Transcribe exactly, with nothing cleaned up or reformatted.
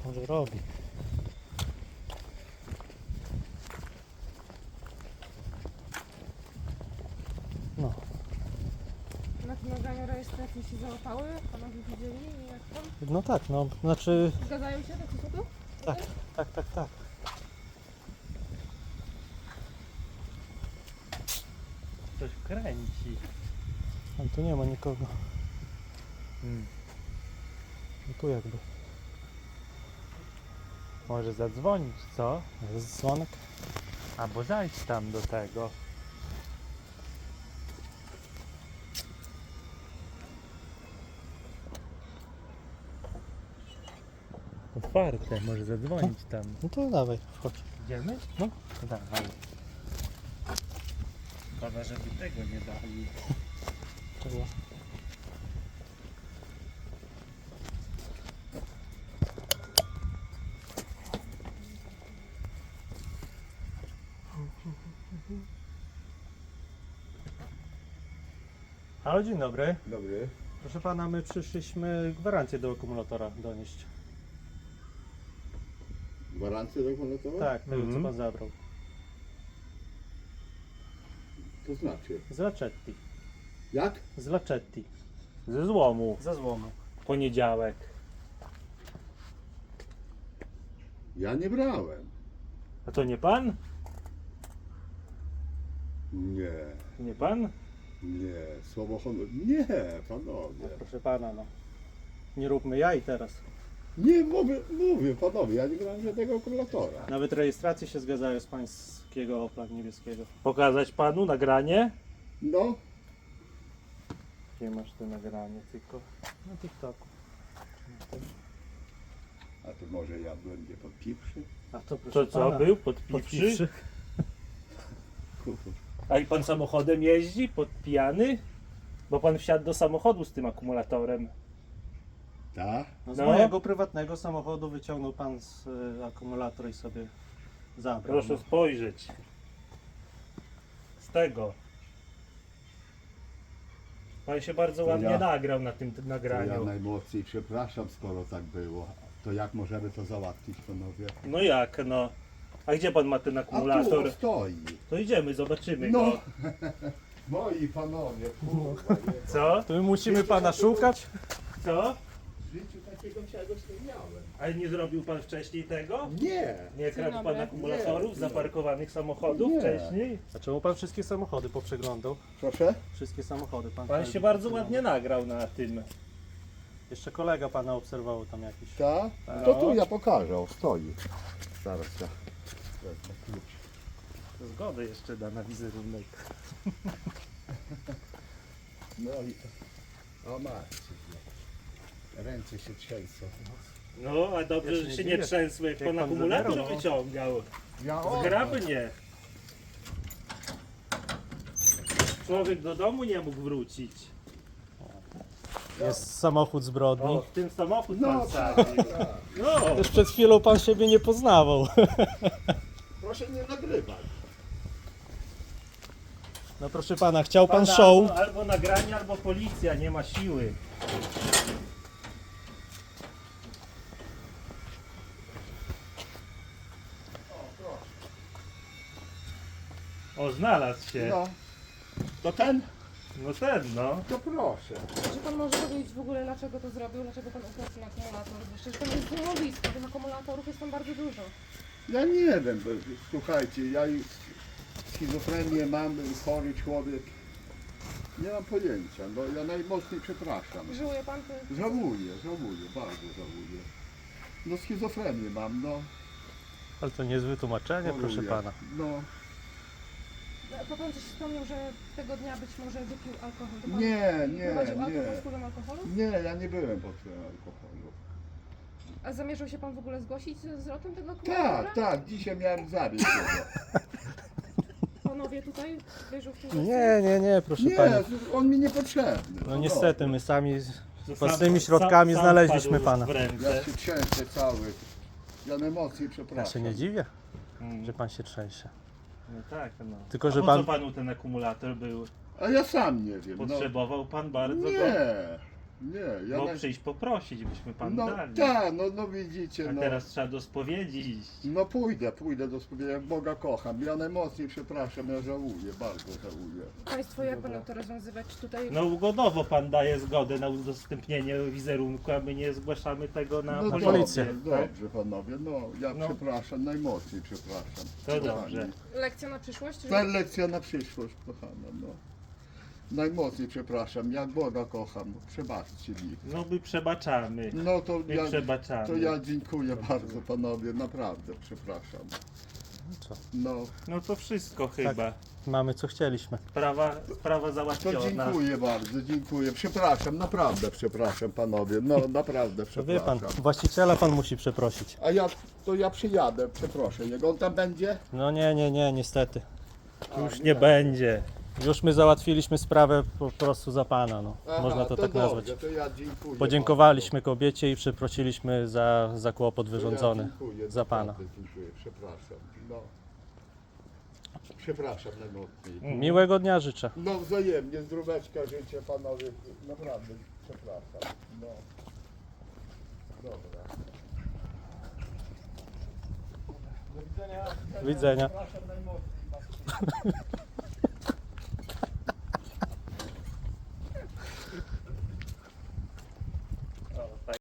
Może robi. No. Na tym nagraniu rejestracji się załapały? Panowie widzieli? Jak tam? No tak, no, znaczy, Zgadzają się do cudu? tak, tak, tak, tak. Coś kręci. Ale tu nie ma nikogo. Hmm. No tu jakby. Może zadzwonić, co? Jest dzwonek. Albo zajdź tam do tego. Otwarte, może zadzwonić tam. No to dawaj, wchodź. Idziemy? No. To dawaj. Szkoda, żeby tego nie dali. Czego? Halo, dzień dobry. Dobry. Proszę pana, my przyszliśmy gwarancję do akumulatora donieść. Gwarancję dokumentacyjną? Tak, tego Mhm. co pan zabrał. To znaczy? Z Lacetti. Jak? Z Lacetti. Ze złomu. Za złomu. Poniedziałek. Ja nie brałem. A to nie pan? Nie, Nie pan? nie. Słowo honor. Nie, panowie. Proszę pana, no. Nie róbmy jaj teraz. Nie, mówię, mówię, panowie, ja nie brałem żadnego akumulatora. Nawet rejestracje się zgadzają z pańskiego Opla niebieskiego. Pokazać panu nagranie? No, Gdzie masz to nagranie? Tylko Na TikToku. a to może ja będę podpiwszy? A to proszę to co, pana, był podpiwszy? podpiwszy. A i pan samochodem jeździ? Podpijany? Bo pan wsiadł do samochodu z tym akumulatorem. Tak? No z No. mojego prywatnego samochodu wyciągnął pan z y, akumulator i sobie zabrał. Proszę no. spojrzeć. Z tego. Pan się bardzo To ładnie ja- nagrał na tym t- To ja nagraniu. najmocniej przepraszam, skoro tak było. To jak możemy to załatwić, panowie? No jak no? A gdzie pan ma ten A tu akumulator? on stoi. To idziemy, zobaczymy No, go. moi panowie, kurwa, nie. Co? To my musimy pana szukać? Co? W życiu takiego czegoś nie miałem. Ale nie zrobił pan wcześniej tego? Nie. Nie Dzień kradł pan dobry. akumulatorów Nie. zaparkowanych samochodów Nie. wcześniej? A czemu pan wszystkie samochody poprzeglądał? Proszę? Wszystkie samochody pan Pan tutaj się bardzo poprzeglądał. ładnie nagrał na tym. Jeszcze kolega pana obserwował tam jakiś. Tak? No. To tu ja pokażę, o, stoi. Zaraz ja wezmę klucz. Zgodę jeszcze da na wizerunek. No i... O macie. Ręce się trzęsą. No, a dobrze, Ja się że nie się nie dziwię. trzęsły, jak Jak pan pan akumulator zabierał, no. wyciągał. Ja Zgrabnie. Człowiek do domu nie mógł wrócić. Jest samochód zbrodni. O, w tym samochód No, pan sadził. No, Też przed chwilą pan siebie nie poznawał. Proszę nie nagrywać. No proszę pana, chciał pan Pana show. Albo, albo nagranie, albo policja, nie ma siły. O, znalazł się. No. To ten? No ten, no. To proszę. Czy pan może powiedzieć w ogóle, dlaczego to zrobił? Dlaczego pan ukradł ten akumulator? Przecież tam jest złomowisko, tych akumulatorów jest tam bardzo dużo. Ja nie wiem, bo, słuchajcie, ja już schizofrenię mam, chory człowiek. Nie mam pojęcia, bo ja najmocniej przepraszam. Żyłuje pan ty? Żałuję, żałuję, bardzo żałuję. No schizofrenię mam, no. Ale to niezłe tłumaczenie, proszę choruję. pana. No, Bo pan coś wspomniał, że tego dnia być może wypił alkohol. To pan nie, nie, prowadził auto nie. pod wpływem alkoholu? Nie, ja nie byłem pod wpływem alkoholu. A zamierzał się pan w ogóle zgłosić ze zwrotem tego akumulatora? Tak, tak, dzisiaj miałem zawieźć go. Panowie tutaj wierzą w tym Nie, nie, nie, proszę Nie, pani. on mi niepotrzebny. No niestety, my sami z To własnymi sam- środkami sam- sam znaleźliśmy padł pana. w ręce. Ja się trzęsę cały. Ja na emocje Ja przepraszam. się nie dziwię, Mm. że pan się trzęsie. No tak, no. Tylko, A że po pan- co panu ten akumulator był? A ja sam nie wiem. No. Potrzebował pan bardzo go? Nie, Nie, ja Bo naj... przyjść poprosić, byśmy pan No dali. tak, no, no widzicie, A no. teraz trzeba do spowiedzi iść. No pójdę, pójdę do spowiedzi, jak Boga kocham. Ja najmocniej przepraszam, ja żałuję, bardzo żałuję. Państwo, jak Dobra. będą to rozwiązywać? Czy tutaj No ugodowo pan daje zgodę na udostępnienie wizerunku, a my nie zgłaszamy tego na No policję. dobrze, tak? dobrze panowie, no ja No. przepraszam, najmocniej przepraszam. To dobrze. lekcja na przyszłość? Czy... Ta lekcja na przyszłość, kochana, no. Najmocniej przepraszam, jak Boga kocham, przebaczcie mi. No my przebaczamy. No to My ja, przebaczamy. to ja dziękuję bardzo panowie, naprawdę przepraszam. Co? No, No to wszystko chyba. Mamy co chcieliśmy. Sprawa, sprawa to załatwiona. dziękuję bardzo, dziękuję. Przepraszam, naprawdę przepraszam panowie, no naprawdę To wie pan, przepraszam. właściciela pan musi przeprosić. A ja, to ja przyjadę, przeproszę jego, on tam będzie? No nie, nie, nie, niestety. A, Już nie będzie. Już my załatwiliśmy sprawę po prostu za pana, no. Aha, Można to, tak dobrze, nazwać. To ja dziękuję Podziękowaliśmy kobiecie i przeprosiliśmy za, za kłopot bardzo. wyrządzony To ja dziękuję, za pana. naprawdę Dziękuję, przepraszam. No. Przepraszam najmocniej. Miłego dnia życzę. No wzajemnie, zdróweczka życzę panowie, naprawdę przepraszam. No. Dobra. Do widzenia. Widzenia. Przepraszam najmocniej.